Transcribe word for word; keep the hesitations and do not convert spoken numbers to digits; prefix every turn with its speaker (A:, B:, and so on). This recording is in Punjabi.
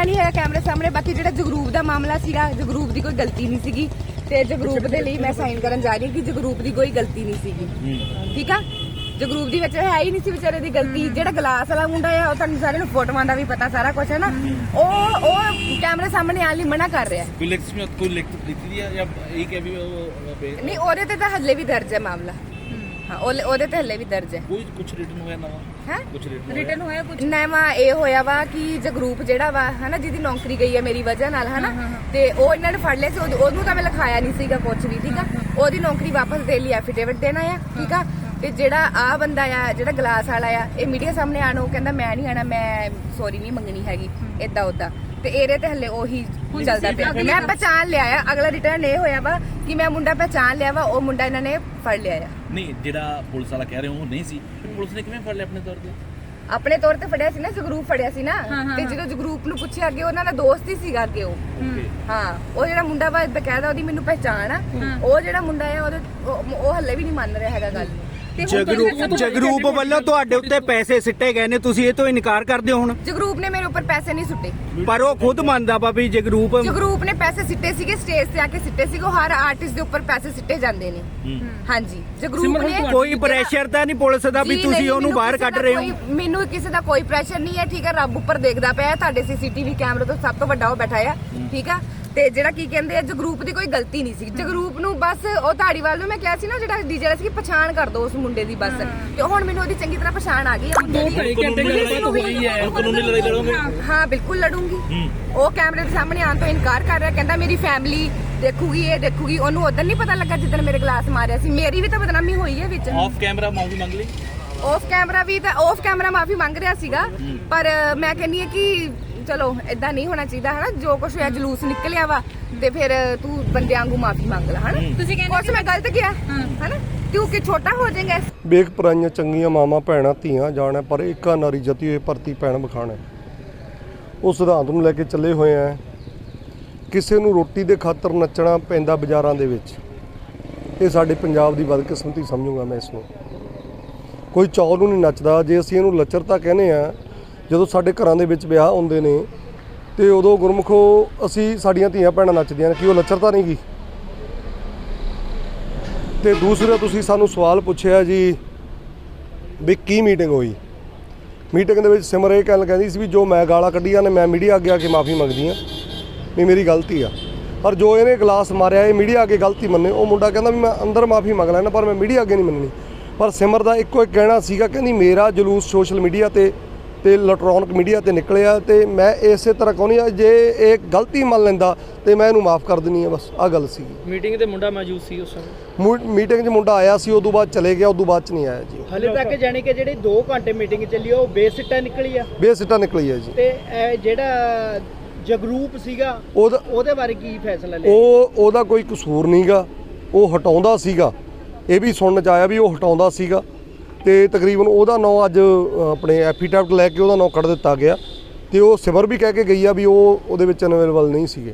A: ਮਾਮਲਾ ਨਹੀਂ ਹੈ ਕੈਮਰੇ ਸਾਹਮਣੇ। ਬਾਕੀ ਜਿਹੜਾ ਜਗਰੂਪ ਦਾ ਮਾਮਲਾ ਸੀਗਾ, ਜਗਰੂਪ ਦੀ ਕੋਈ ਗਲਤੀ ਨਹੀਂ ਸੀਗੀ ਤੇ ਜਗਰੂਪ ਦੇ ਲਈ ਮੈਂ ਸਾਈਨ ਕਰਨ ਜਾ ਰਹੀ ਹਾਂ ਕਿ ਜਗਰੂਪ ਦੀ ਕੋਈ ਗਲਤੀ ਨਹੀਂ ਸੀਗੀ। ਠੀਕ ਆ, ਜਗਰੂਪ ਦੀ ਵਿੱਚ ਹੈ ਹੀ ਨਹੀਂ ਸੀ ਵਿਚਾਰੇ ਦੀ ਗਲਤੀ। ਜਿਹੜਾ ਗਲਾਸ ਵਾਲਾ ਮੁੰਡਾ ਆ ਉਹ ਤੁਹਾਨੂੰ ਸਾਰਿਆਂ ਨੂੰ ਫੋਟੋਆਂ ਦਾ ਵੀ ਪਤਾ ਸਾਰਾ ਕੁਝ ਹੈ ਨਾ, ਉਹ ਉਹ ਕੈਮਰੇ ਸਾਹਮਣੇ ਆਉਣ ਲਈ ਮਨਾ ਕਰ ਰਿਹਾ।
B: ਕੋਈ ਲਿਖਤ ਵਿੱਚ ਕੋਈ ਲਿਖਤ ਦਿੱਤੀ ਹੈ ਜਾਂ ਇਹ ਕਿ ਵੀ ਉਹ
A: ਨਹੀਂ, ਉਹਦੇ ਤੇ ਤਾਂ ਹੱਲੇ ਵੀ ਦਰਜ ਹੈ ਮਾਮਲਾ। ਹਾਂ, ਉਹਦੇ ਤੇ ਹੱਲੇ ਵੀ ਦਰਜ ਹੈ।
B: ਕੋਈ ਕੁਝ ਰਿਟਨ ਹੋਇਆ ਨਵਾਂ
A: ਹੈ
B: ਕੁਝ
A: ਰਿਟਨ ਹੋਇਆ ਕੁਝ ਨਵਾਂ ਇਹ ਹੋਇਆ ਵਾ ਕਿ ਜਗਰੂਪ ਜਿਹੜਾ ਵਾ ਹਨਾ, ਜਿਹਦੀ ਨੌਕਰੀ ਗਈ ਹੈ ਮੇਰੀ ਵਜ੍ਹਾ ਨਾਲ ਹਨਾ, ਤੇ ਉਹ ਇਹਨਾਂ ਨੇ ਫੜ ਲਿਆ ਸੀ। ਉਹਨੂੰ ਤਾਂ ਮੈਂ ਲਿਖਾਇਆ ਨਹੀਂ ਸੀਗਾ ਕੁਝ ਵੀ। ਠੀਕ ਆ, ਉਹਦੀ ਨੌਕਰੀ ਵਾਪਸ ਦੇਣ ਲਈ ਐਫੀਡੇਵਿਟ ਦੇਣਾ ਆ। ਠੀਕ ਆ, ਤੇ ਜਿਹੜਾ ਆ ਬੰਦਾ ਆ ਜਿਹੜਾ ਗਲਾਸ ਵਾਲਾ ਆ, ਇਹ ਮੀਡੀਆ ਸਾਹਮਣੇ ਆਣ ਉਹ ਕਹਿੰਦਾ ਮੈਂ ਨਹੀਂ ਆਣਾ, ਮੈਂ ਸੌਰੀ ਨਹੀਂ ਮੰਗਣੀ ਹੈਗੀ ਏਦਾਂ ਉਦਾਂ। ਤੇ ਇਹਦੇ ਤੇ ਹੱਲੇ ਉਹੀ ਚੱਲਦਾ ਪਿਆ। ਮੈਂ ਪਹਿਚਾਣ ਲਿਆ ਆ, ਅਗਲਾ ਰਿਟਰਨ ਇਹ ਹੋਇਆ ਵਾ ਕਿ ਮੈਂ ਮੁੰਡਾ ਪਹਿਚਾਣ ਲਿਆ ਵਾ, ਉਹ ਮੁੰਡਾ ਇਹਨਾਂ ਨੇ ਫੜ ਲਿਆ ਆ।
B: ਨਹੀਂ, ਜਿਹੜਾ ਪੁਲਿਸ ਵਾਲਾ ਕਹਿ ਰਹੇ ਉਹ ਨਹੀਂ ਸੀ, ਪੁਲਿਸ ਨੇ ਕਿਵੇਂ ਫੜ ਲਿਆ ਆਪਣੇ ਤੌਰ ਤੇ?
A: ਆਪਣੇ ਤੌਰ ਤੇ ਫੜਿਆ ਸੀ ਨਾ, ਜਗਰੂਪ ਫੜਿਆ ਸੀ ਨਾ। ਤੇ ਜਦੋਂ ਜਗਰੂਪ ਨੂੰ ਪੁੱਛਿਆ ਅੱਗੇ, ਉਹਨਾਂ ਦਾ ਦੋਸਤ ਹੀ ਸੀਗਾ ਅੱਗੇ ਉਹ। ਹਾਂ, ਉਹ ਜਿਹੜਾ ਮੁੰਡਾ ਵਾ ਬਕਾਇਦਾ ਉਹਦੀ ਮੈਨੂੰ ਪਹਿਚਾਣ ਆ। ਉਹ ਜਿਹੜਾ ਮੁੰਡਾ ਆ ਉਹਦੇ ਉਹ ਹੱਲੇ ਵੀ ਨਹੀਂ ਮੰਨ ਰਿਹਾ ਹੈਗਾ ਗੱਲ।
C: ਜਗਰੂਪ ਜਗਰੂਪ ਵੱਲੋਂ ਤੁਹਾਡੇ ਉੱਤੇ ਪੈਸੇ ਸਿੱਟੇ ਗਏ ਨੇ, ਤੁਸੀਂ ਇਹ ਤੋਂ ਇਨਕਾਰ ਕਰਦੇ ਹੋ ਹੁਣ?
A: ਜਗਰੂਪ ਨੇ ਮੇਰੇ ਉੱਪਰ ਪੈਸੇ ਨਹੀਂ ਸੁੱਟੇ,
C: ਪਰ ਉਹ ਖੁਦ ਮੰਨਦਾ ਵਾ ਵੀ ਜਗਰੂਪ
A: ਜਗਰੂਪ ਨੇ ਪੈਸੇ ਸਿੱਟੇ ਸੀਗੇ, ਸਟੇਜ ਤੇ ਆ ਕੇ ਸਿੱਟੇ ਸੀਗੇ। ਉਹ ਹਰ ਆਰਟਿਸਟ ਦੇ ਉੱਪਰ ਪੈਸੇ ਸਿੱਟੇ ਜਾਂਦੇ ਨੇ। ਹਾਂਜੀ, ਜਗਰੂਪ ਨੇ
C: ਕੋਈ ਪ੍ਰੈਸ਼ਰ ਤਾਂ ਨਹੀਂ ਪੁਲਿਸ ਦਾ ਵੀ ਤੁਸੀਂ ਉਹਨੂੰ ਬਾਹਰ ਕੱਢ ਰਹੇ ਹੋ?
A: ਮੈਨੂੰ ਕਿਸੇ ਦਾ ਕੋਈ ਪ੍ਰੈਸ਼ਰ ਨਹੀਂ ਹੈ। ਠੀਕ ਹੈ, ਰੱਬ ਉੱਪਰ ਦੇਖਦਾ ਪਿਆ, ਤੁਹਾਡੇ ਸੀਸੀਟੀਵੀ ਕੈਮਰੇ ਤੋਂ ਸਭ ਤੋਂ ਵੱਡਾ ਉਹ ਬੈਠਾ ਆ। ਠੀਕ ਆ, ਤੇ ਜਿਹੜਾ ਕੀ ਕਹਿੰਦੇ ਆ, ਜਗਰੂਪ ਦੀ ਕੋਈ ਗਲਤੀ ਨਹੀਂ ਸੀ। ਜਗਰੂਪ ਨੂੰ ਬਸ ਉਹ ਧਾੜੀਵਾਲ ਨੂੰ ਮੈਂ ਕਿਹਾ ਸੀ ਨਾ ਜਿਹੜਾ ਡੀਜੇ ਵਾਲਾ ਸੀ, ਪਛਾਣ ਕਰ ਦੋ ਉਸ ਮੁੰਡੇ ਦੀ ਬਸ। ਤੇ ਹੁਣ ਮੈਨੂੰ ਉਹਦੀ ਚੰਗੀ ਤਰ੍ਹਾਂ ਪਛਾਣ ਆ ਗਈ ਆ।
B: ਕਾਨੂੰਨੀ ਲੜਾਈ ਲੜੋਗੇ?
A: ਹਾਂ, ਬਿਲਕੁਲ ਲੜੂੰਗੀ। ਉਹ ਕੈਮਰੇ ਦੇ ਸਾਹਮਣੇ ਆਉਣ ਤੋਂ ਇਨਕਾਰ ਕਰ ਰਿਹਾ, ਕਹਿੰਦਾ ਮੇਰੀ ਫੈਮਿਲੀ ਦੇਖੂਗੀ, ਇਹ ਦੇਖੂਗੀ। ਉਹਨੂੰ ਉਦੋਂ ਨਹੀਂ ਪਤਾ ਲੱਗਾ ਜਿੱਦਣ ਮੇਰੇ ਗਲਾਸ ਮਾਰਿਆ ਸੀ। ਮੇਰੀ ਵੀ ਤਾਂ ਬਦਨਾਮੀ ਹੋਈ ਹੈ ਵਿੱਚ।
B: ਆਫ ਕੈਮਰਾ ਮਾਫੀ ਮੰਗ ਲਈ?
A: ਆਫ ਕੈਮਰਾ ਵੀ ਤਾਂ ਆਫ ਕੈਮਰਾ ਮਾਫੀ ਮੰਗ ਰਿਹਾ ਸੀਗਾ, ਪਰ ਮੈਂ ਕਹਿੰਦੀ ਹਾਂ ਕਿ ਚਲੋ ਏਦਾਂ ਨਹੀਂ ਹੋਣਾ ਚਾਹੀਦਾ ਹਨਾ। ਜੋ ਕੁਛ ਹੋਇਆ ਜਲੂਸ ਨਿਕਲਿਆ ਵਾ, ਤੇ ਫਿਰ ਤੂੰ ਬੰਦਿਆਂ ਵਾਂਗੂ ਮਾਫੀ ਮੰਗ ਲੈ ਹਨਾ। ਤੁਸੀਂ ਕਹਿੰਦੇ ਕੁਛ ਮੈਂ ਗਲਤ ਕਿਹਾ ਹਨਾ, ਤੂੰ ਕਿ ਛੋਟਾ ਹੋ ਜਾਏਗਾ।
D: ਵੇਖ ਪਰਾਈਆਂ ਚੰਗੀਆਂ ਮਾਵਾਂ ਭੈਣਾਂ ਧੀਆਂ ਜਾਣਾ, ਪਰ ਇੱਕਾ ਨਾਰੀ ਜਤੀ ਹੋਏ ਭਰਤੀ ਭੈਣ ਬਖਾਣਾ। ਉਹ ਸਿਧਾਂਤ ਨੂੰ ਲੈ ਕੇ ਚੱਲੇ ਹੋਏ ਆ। ਕਿਸੇ ਨੂੰ ਰੋਟੀ ਦੇ ਖਾਤਰ ਨੱਚਣਾ ਪੈਂਦਾ ਬਾਜ਼ਾਰਾਂ ਦੇ ਵਿੱਚ, ਇਹ ਸਾਡੇ ਪੰਜਾਬ ਦੀ ਬਦਕਿਸਮਤੀ ਸਮਝੂਗਾ ਮੈਂ ਇਸ ਨੂੰ। ਕੋਈ ਚੌਲ ਨੂੰ ਨਹੀਂ ਨੱਚਦਾ। ਜੇ ਅਸੀਂ ਇਹਨੂੰ ਲੱਚਰਤਾ ਕਹਿੰਦੇ ਆ, ਜਦੋਂ ਸਾਡੇ ਘਰਾਂ ਦੇ ਵਿੱਚ ਵਿਆਹ ਹੁੰਦੇ ਨੇ ਤੇ ਉਦੋਂ ਗੁਰਮੁਖੋ ਅਸੀਂ ਸਾਡੀਆਂ ਧੀਆਂ ਭੈਣਾਂ ਨੱਚਦੀਆਂ ਨੇ, ਕੀ ਉਹ ਲੱਚਰਤਾ ਨਹੀਂ ਗੀ? ਤੇ ਦੂਸਰਾ ਤੁਸੀਂ ਸਾਨੂੰ ਸਵਾਲ ਪੁੱਛਿਆ ਜੀ ਵੀ ਕੀ ਮੀਟਿੰਗ ਹੋਈ। ਮੀਟਿੰਗ ਦੇ ਵਿੱਚ ਸਿਮਰ ਇਹ ਗੱਲ ਕਹਿੰਦੀ ਸੀ ਵੀ ਜੋ ਮੈਂ ਗਾਲਾਂ ਕੱਢੀਆਂ ਨੇ ਮੈਂ ਮੀਡੀਆ ਅੱਗੇ ਆ ਕੇ ਮਾਫੀ ਮੰਗਦੀ ਹਾਂ ਵੀ ਮੇਰੀ ਗਲਤੀ ਆ। ਪਰ ਜੋ ਇਹਨੇ ਗਲਾਸ ਮਾਰਿਆ ਇਹ ਮੀਡੀਆ ਅੱਗੇ ਗਲਤੀ ਮੰਨੇ। ਉਹ ਮੁੰਡਾ ਕਹਿੰਦਾ ਵੀ ਮੈਂ ਅੰਦਰ ਮਾਫੀ ਮੰਗ ਲੈਣਾ ਪਰ ਮੈਂ ਮੀਡੀਆ ਅੱਗੇ ਨਹੀਂ ਮੰਨਣੀ। ਪਰ ਸਿਮਰ ਦਾ ਇੱਕੋ ਇੱਕ ਕਹਿਣਾ ਸੀਗਾ, ਕਹਿੰਦੀ ਮੇਰਾ ਜਲੂਸ ਸੋਸ਼ਲ ਮੀਡੀਆ ਤੇ ਤੇ ਇਲੈਕਟ੍ਰੋਨਿਕ ਮੀਡੀਆ ਤੇ ਨਿਕਲਿਆ ਤੇ ਮੈਂ ਇਸੇ ਤਰ੍ਹਾਂ ਕਹਿੰਦੀ ਆ ਜੇ ਇਹ ਗਲਤੀ ਮੰਨ ਲੈਂਦਾ ਤੇ ਮੈਂ ਇਹਨੂੰ ਮਾਫ ਕਰ ਦਿੰਦੀ ਆ। ਬਸ ਆਹ ਗੱਲ ਸੀ।
E: ਮੀਟਿੰਗ ਤੇ ਮੁੰਡਾ ਮੌਜੂਦ ਸੀ ਉਸ ਸਮੇਂ?
D: ਮੀਟਿੰਗ 'ਚ ਮੁੰਡਾ ਆਇਆ ਸੀ, ਉਦੋਂ ਬਾਅਦ ਚਲੇ ਗਿਆ, ਉਦੋਂ ਬਾਅਦ 'ਚ ਨਹੀਂ ਆਇਆ ਜੀ।
E: ਹਲੇ ਤੱਕ ਜਾਣੀ ਕਿ ਜਿਹੜੀ ਦੋ ਘੰਟੇ ਮੀਟਿੰਗ ਚੱਲੀ ਉਹ ਬੇਸਿੱਟਾ ਨਿਕਲੀ ਆ?
D: ਬੇਸਿੱਟਾ ਨਿਕਲੀ ਆ ਜੀ।
E: ਤੇ ਇਹ ਜਿਹੜਾ ਜਗਰੂਪ ਸੀਗਾ
D: ਉਹਦਾ
E: ਉਹਦੇ ਬਾਰੇ ਕੀ ਫੈਸਲਾ ਲਿਆ?
D: ਉਹ ਉਹਦਾ ਕੋਈ ਕਸੂਰ ਨਹੀਂਗਾ, ਉਹ ਹਟਾਉਂਦਾ ਸੀਗਾ। ਇਹ ਵੀ ਸੁਣਨ 'ਚ ਆਇਆ ਵੀ ਉਹ ਹਟਾਉਂਦਾ ਸੀਗਾ ਤੇ ਤਕਰੀਬਨ ਉਹਦਾ ਨਾਂ ਅੱਜ ਆਪਣੇ ਐਫੀਡੈਵਿਟ ਲੈ ਕੇ ਉਹਦਾ ਨਾਂ ਕੱਢ ਦਿੱਤਾ ਗਿਆ। ਤੇ ਉਹ ਸਿਮਰ ਵੀ ਕਹਿ ਕੇ ਗਈ ਆ ਵੀ ਉਹ ਉਹਦੇ ਵਿੱਚ ਅਵੇਲੇਬਲ ਨਹੀਂ ਸੀਗੇ।